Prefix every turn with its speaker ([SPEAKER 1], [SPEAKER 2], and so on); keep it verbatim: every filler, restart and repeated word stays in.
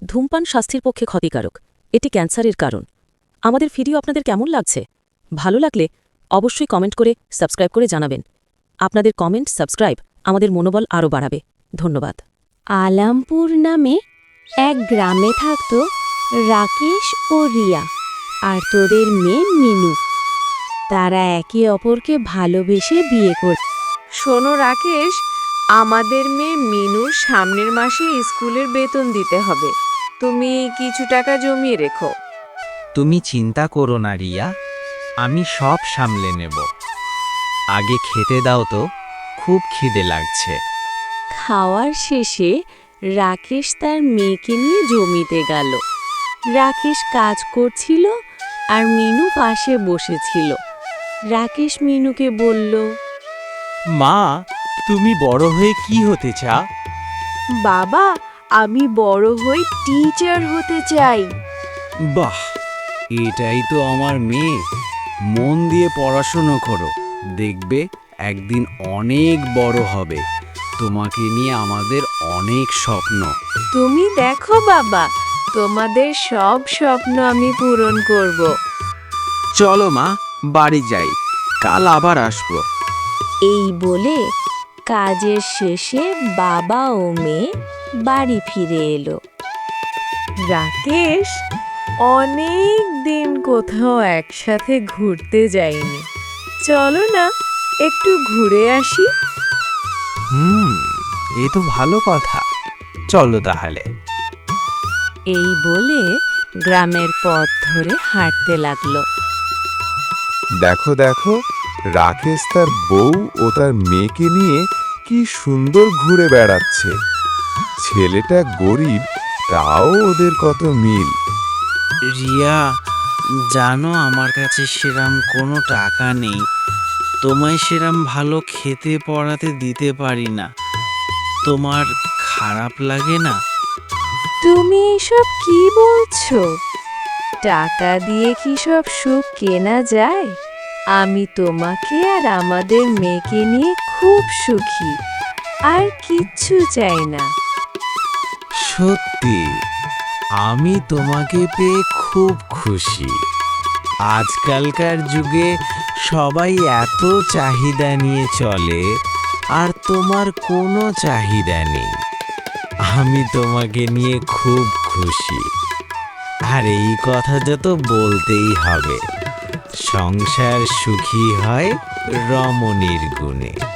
[SPEAKER 1] ধূমপান স্বাস্থ্যের পক্ষে ক্ষতিকারক, এটি ক্যান্সারের কারণ। আমাদের ভিডিও আপনাদের কেমন লাগছে? ভালো লাগলে অবশ্যই কমেন্ট করে সাবস্ক্রাইব করে জানাবেন। আপনাদের কমেন্ট, সাবস্ক্রাইব আমাদের মনোবল আরও বাড়াবে। ধন্যবাদ।
[SPEAKER 2] আলামপুর নামে এক গ্রামে থাকত রাকেশ ও রিয়া আর তোদের মেয়ে মিনু। তারা একে অপরকে ভালোবেসে বিয়ে করত।
[SPEAKER 3] শোনো রাকেশ, আমাদের মেয়ে মিনুর সামনের মাসে স্কুলের বেতন দিতে হবে। তুমি কিছু টাকা জমিয়ে রেখো।
[SPEAKER 4] তুমি চিন্তা করো না রিয়া, আমি সব সামলে নেব। আগে খেতে দাও তো, খুব খিদে লাগছে।
[SPEAKER 2] খাওয়ার শেষে রাকেশ তার মেয়েকে নিয়ে জমিতে গেল। রাকেশ কাজ করছিল আর মিনু পাশে বসেছিল। রাকেশ মিনুকে বলল,
[SPEAKER 5] মা, তুমি বড় হয়ে কি হতে চাও?
[SPEAKER 3] বাবা, আমি বড় হয়ে টিচার হতে চাই।
[SPEAKER 5] বাহ, এটাই তো আমার মেয়ে। মন দিয়ে পড়াশোনা করো, দেখবে একদিন অনেক বড় হবে। তোমাকে নিয়ে আমাদের অনেক স্বপ্ন।
[SPEAKER 3] তুমি দেখো বাবা, তোমাদের সব স্বপ্ন আমি পূরণ করব।
[SPEAKER 5] চলো মা, বাড়ি যাই, কাল আবার আসবো।
[SPEAKER 2] এই বলে কাজের শেষে বাবা ও মেয়ে বাড়ি ফিরে এলো।
[SPEAKER 3] রাকেশ, অনেক দিন কোথাও একসাথে ঘুরতে যাইনি। চলো না, একটু ঘুরে আসি।
[SPEAKER 5] হুম, এ তো ভালো কথা। চলো তাহলে।
[SPEAKER 2] এই বলে গ্রামের পথ ধরে হাঁটতে লাগলো।
[SPEAKER 6] দেখো দেখো, রাকেশ তার বউ ও তার মেয়েকে নিয়ে কি সুন্দর ঘুরে বেড়াচ্ছে। ছেলেটা গরিব, তাও ওদের কত মিল।
[SPEAKER 7] রিয়া, জানো আমার কাছে সেরাম কোনো টাকা নেই। তোমায় সেরাম ভালো খেতে পড়াতে দিতে পারি না। তোমার খারাপ লাগে না?
[SPEAKER 3] তুমি এসব কি বলছো? টাকা দিয়ে কি সব সুখ কেনা যায়? আমি তোমাকে আর আমাদের মেয়েকে নিয়ে খুব সুখী, আর কিচ্ছু চাই না।
[SPEAKER 5] সত্যি, আমি তোমাকে পেয়ে খুব খুশি। আজকালকার যুগে সবাই এত চাহিদা নিয়ে চলে, আর তোমার কোনো চাহিদা নেই। আমি তোমাকে নিয়ে খুব খুশি। আর এই কথাটা তো বলতেই হবে, সংসার সুখী হয় রমণীর গুণে।